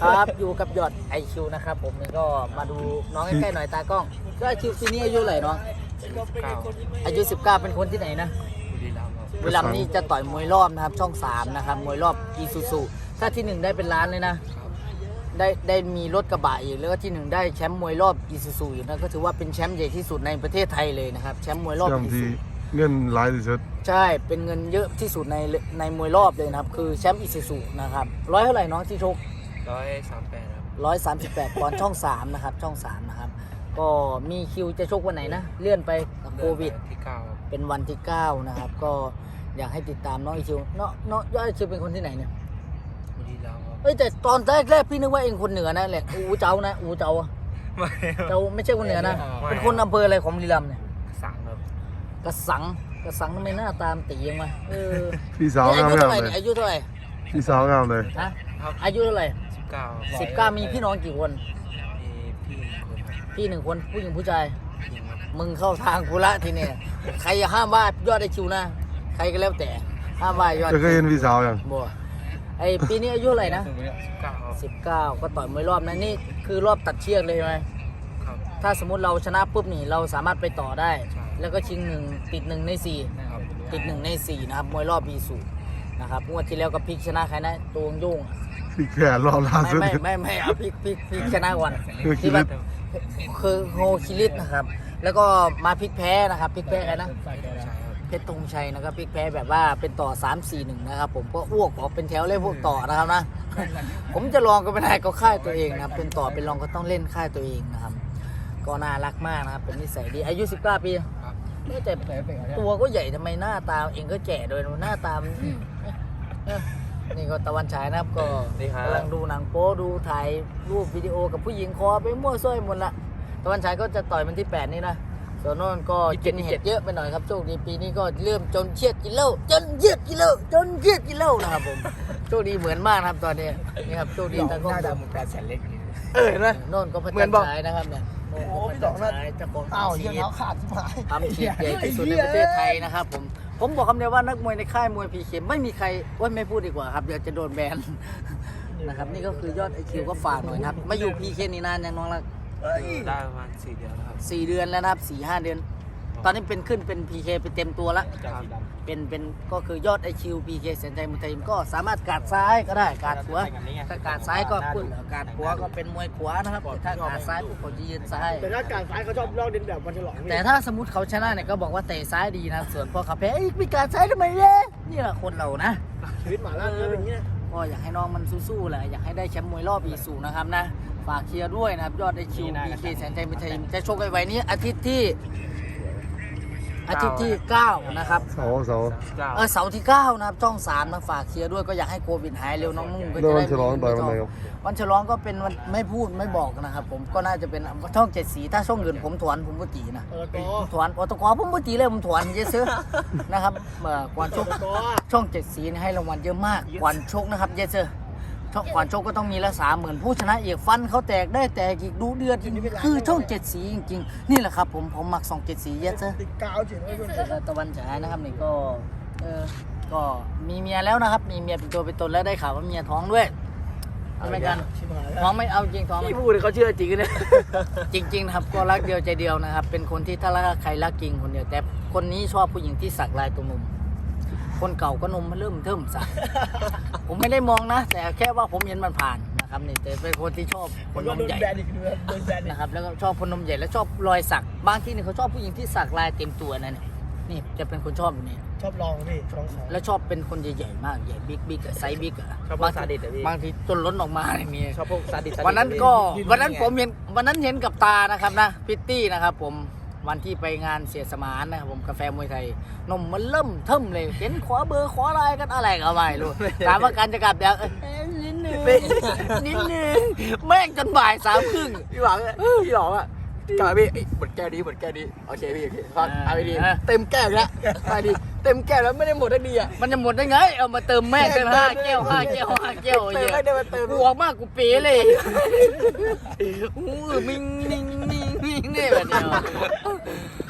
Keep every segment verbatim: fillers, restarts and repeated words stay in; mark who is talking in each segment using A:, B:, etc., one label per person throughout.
A: ครับอยู่กับยอดไอคิวนะครับผมนี่ก็มาดูน้องใกล้ๆหน่อยตากล้องก็ไอคิวปีนี้อายุเท่าไหร่น้องอายุสิบเก้าเป็นคนที่ไหนนะบุรีรัมย์นี่จะต่อยมวยรอบนะครับช่องสามนะครับมวยรอบอีซูซูถ้าที่หนึ่งได้เป็นล้านเลยนะได้ได้มีรถกระบะอีกแล้วก็ที่หนึ่งได้แชมป์มวยรอบอีซูซูอยู่นั่นก็ถือว่าเป็นแชมป์ใหญ่ที่สุดในประเทศไทยเลยนะครับแชมป์มวยรอบอีซูซู
B: เงินหลายที่สุด
A: ใช่เป็นเงินเยอะที่สุดในในมวยรอบเลยนะครับคือแชมป์อีซูซูนะครับร้อยเท่าไหร่น้องที่ชก
C: ร้อยสามแปดครับ
A: ร้อยสามสิบแปดปอนด์ช่องสามนะครับช่องสามนะครับก็มีคิวจะชกวันไหนนะเลื่อนไปโควิด
C: ที่เก้า
A: เป็นวันที่เก้านะครับก็อยากให้ติดตามน้องอีคิวเนาะเนาะยอดอีคิวเป็นคนที่ไหนเนี่ย
C: บุรีรัมย์ครับ
A: เอ้ยแต่ตอนแรกแรกพี่นึกว่าเองคนเหนือนะแหละอูเจ้านะอูเจ้า
C: ไม่
A: เจ้าไม่ใช่คนเหนือนะเป็นคนอำเภออะไรของบุรีรัมย์เนี่ย
C: สั่งครับ
A: กระสังกระสังทำไมหน้าตามตียังไงเออ
B: พี่สาว
A: อา
B: งาม
A: ยุเท่าไหร่
B: เลย
A: อายุเท่าไหร่
B: พี่สาวงามเลย
A: ฮะอายุเท่าไหร่
C: สิบเก้า
A: สิบเก้ามีพี่น้องกี่คน
C: มี
A: พี่หนึ่งคนผู้หญิงผู้ชาย
C: ยิงครับ
A: มึงเข้าทางกูละทีเนี่ยใครห้ามว่ายอดไอคิวนะใครก็แล้วแต่ห้ามว่ายอด
B: จะเคยเห็นพี่สาวยัง
A: บ่ไอปีนี้อายุเท่าไหร่นะ
C: สิบเก้า
A: สิบเก้าก็ต่อยมวยรอบนะนี่คือรอบตัดเชือกเลยไหม
C: ครับ
A: ถ้าสมมติเราชนะปุ๊บนี่เราสามารถไปต่อได้
C: ใช่
A: แล้วก็ชิงหนึ่งติดหนึ่งในสี่
C: ครับ
A: ติดหนึ่งในสี่นะครับมวยรอบบีสูนะครับงวดที่แล้วก็พลิกชนะใครนะตัวยุ่ง
B: พี่แขนรอบล่าสุด
A: ไม่ไม่ไม่ไม่เอาพลิกพลิกพลิกชนะก่อนที่ว่าคือโฮคิริสนะครับ แล้วก็มาพลิกแพ้นะครับพลิกแพ้ใครนะเพชรธงชัยนะครับพลิกแพ้แบบว่าเป็นต่อ สาม สี่ หนึ่ง นะครับผมก็อ้วกออกเป็นแถวเลยพวกต่อนะครับนะ ผมจะลองก็ไม่ได้ก็ค่ายตัวเองนะครับเป็นต่อเป็นรองก็ต้องเล่นค่ายตัวเองนะครับก็น่ารักมากนะครับเป็นนิสัยดีอายุสิบเก้าปีแต่ตัวก็ใหญ่ทำไมหน้าตาเองก็แก่โดยหน้าตามนี่ก็ตะวันฉายนะครับก็กำลังดูหนังโป๊ดูถ่ายรูปวิดีโอกับผู้หญิงคอไปมั่วซั่วหมดละตะวันฉายก็จะต่อยมันที่แปดนี่นะส่วนโน้นก็กินเห็ดเยอะไปหน่อยครับโชคดีปีนี้ก็เริ่มจนเชียดกินเหล้าจนเชียดกินเหล้าจนเชียดกินเหล้านะครับผมโชคดีเหมือนมากนะครับตอนนี้นี่ครับโชคดีตะก้องดำแปดแสนเล็กเออเห็นไหมโน่นก็พระจันทร์ฉายนะครับเนี่ยโอ้พี่ดอกนั่นจะของอ้าวยังเอาขาดที่หายทำฉีดใหญ่ที่สุดในประเทศไทยนะครับผมผมบอกคำเดียวว่านักมวยในค่ายมวยพีเคไม่มีใครว่าไม่พูดดีกว่าครับเดี๋ยวจะโดนแบนนะครับนี่ก็คือยอดไอคิวก็ฝากหน่อยนะครับมาอยู่พีเคนี่นานยังน้องละ
C: ได้ประมาณสี่เดือนแล้วครับ
A: สี่เดือนแล้วนะครับสี่ห้าเดือนตอนนี้เป็นขึ้นเป็นพีเคไปเต็มตัวละเป็นเป็นก็คือยอดไอคิวพีเคเซนไทยมุทัยก็สามารถกาดซ้ายก็ได้กาดขวาถ้ากาดซ้ายก็พุ่นกาดขวาก็เป็นมวยขวานะครับถ้ากาดซ้ายปุ๊บเขาจะยืนซ้าย
D: แต่ถ้าการซ้ายเขาชอบลอกเดินแบบวันฉลอง
A: แต่ถ้าสมมติเขาชนะเนี่ยก็บอกว่าเตะซ้ายดีนะส่วนพอเขาแพ้มีการซ้ายทำไมเนี่ยนี่แหละคนเรานะ
D: ชีวิตหมาล่าก็เป็นอย่างนี้
A: ก็อยากให้น้องมันสู้ๆแหละอยากให้ได้แชมป์มวยรอบอีสูนะครับนะฝากเชียร์ด้วยนะครับยอดไอคิวพีเคแสนใจมุทัยจะชกไว้นี้อาทิตย์ที่อาทิตย์ที่เก้านะครับ
B: เสาเสา
A: เออเสาร์ที่เก้านะครับช่องสามนะฝากเชียร์ด้วยก็อยากให้โควิดหายเร็วน้องนุ่งก็จะได้
B: วันฉลองต่อยวันไหนครับ
A: วันฉลองก็เป็นวันไม่พูดไม่บอกนะครับผมก็น่าจะเป็นช่องเจ็ดสีถ้าช่องอื่นผมถวนผมก็ตีนะถวนอตกผมก็ตีเลยผมถวนเยอะซื้อนะครับเมื่อก่อนชกช่องเจ็ดสีให้รางวัลเยอะมากก่อนชกนะครับเยอะซื้อก่อนชกก็ต้องมีละสามหมื่นผู้ชนะเอกฟันเขาแตกได้แตกอีกดูเดือดคือช่องเจ็ดสีจริงๆนี่แหละครับผมผมมักสองเจ็ดสีเยอะเซอ
D: ติดกาวจิ๋ว
A: ตะวันฉายนะครับนี่ก็เออก็มีเมียแล้วนะครับมีเมียเป็นตัวเป็นตนแล้วได้ข่าวว่าเมียท้องด้วยทำไมกันท้องไม่เอาจริงท้อง
C: พี่พูดเขาเชื่อจริงเลย
A: จริงๆนะครับก็รักเดียวใจเดียวนะครับเป็นคนที่ถ้ารักใครรักจริงคนเดียวแต่คนนี้ชอบผู้หญิงที่สักลายตรงนมคนเก่าก็นมมันเริ่มเทิมสักผมไม่ได้มองนะแต่แค่ว่าผมเห็นมันผ่านนะครับนี่แต่เป็นคนที่ชอบคนนมใหญ่นะครับแล้วก็ชอบคนนมใหญ่แล้วชอบรอยสักบางที่นี่เขาชอบผู้หญิงที่สักลายเต็มตัวนั่นนี่จะเป็นคนชอบอยู่นี่
D: ชอบลองพี่ลองของ
A: แล้วชอบเป็นคนใหญ่ๆมากใหญ่บิ๊กบิ๊กไซส์บิ๊กอะ
C: ชอบพวกซาดิสอะพี่
A: บางทีจนล้นออกมาเนี่ยมี
C: ชอบพวกซาดิส
A: วันนั้นก็วันนั้นผมเห็นวันนั้นเห็นกับตานะครับนะพิตตี้นะครับผมวันที่ไปงานเสียสมานนะครับผมกาแฟมวยไทยนมมันเริ่มเทิมเลยเห็นขอเบอร์ขออะไรกันอะไรก็ไม่รู้ถามว่าการจะกลับเดี๋ยวนิดนึงนิดนึงแม่งจนบ่ายสามครึ่ง
C: พี่หวังพี่หลอกอ่ะกลับพี่หมดแก้วดีหมดแก้วดีโอเคพี่โอเคฟังเอาไปดีเต็มแก้วแล้วไปดีเต็มแก้วแล้วไม่ได้หมดได้ดีอ่ะ
A: มันจะหมดได้ไงเอามาเติมแม่กันห้าแก้วห้าแก้วห้าแก้วเยอะกูออกมากกูเป๋เลยอู้มิงมิงมิงมิงเนี่ยแบบเนี้ย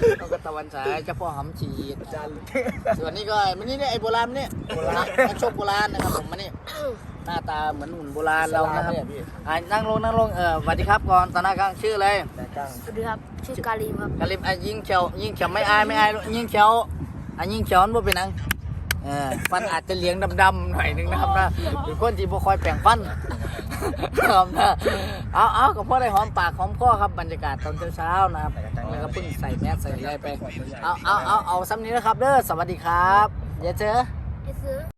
A: นกกระตะวันฉายเจ้าพ่อหำฉีดส่วนนี้ก็มันนี่เนี่ยไอ้โบราณเนี่ยโบราณนักชกโบราณนะครับผมมันนี่หน้าตาเหมือนหุ่นโบราณเรานะครับอ่านั่งลงนั่งลงเออสวัสดีครับก่อนตอนหน้ากลางชื่ออะไร
E: สวัสดีครับ ชื่อกาลีครับ
A: กาลิมอ่ะยิงเฉียวยิงเฉียวไม่อายไม่อายยิงเฉียวอ่ะยิงเฉียวมันบ่เป็นหนังเออฟันอาจจะเหลียงดำๆหน่อยนึงนะครับนะเป็นคนที่บ่คอยแปรงฟันครับนะเอาเอากับพ่อได้หอมปากหอมคอครับบรรยากาศตอนเช้าๆนะครับแล้วก็เพิ่งใส่แมสใส่อะไรไปเอาเอาเอาเอาซ้ำนี้นะครับเด้อสวัสดีครับอย่าเจอ
E: ไอ้ซื้อ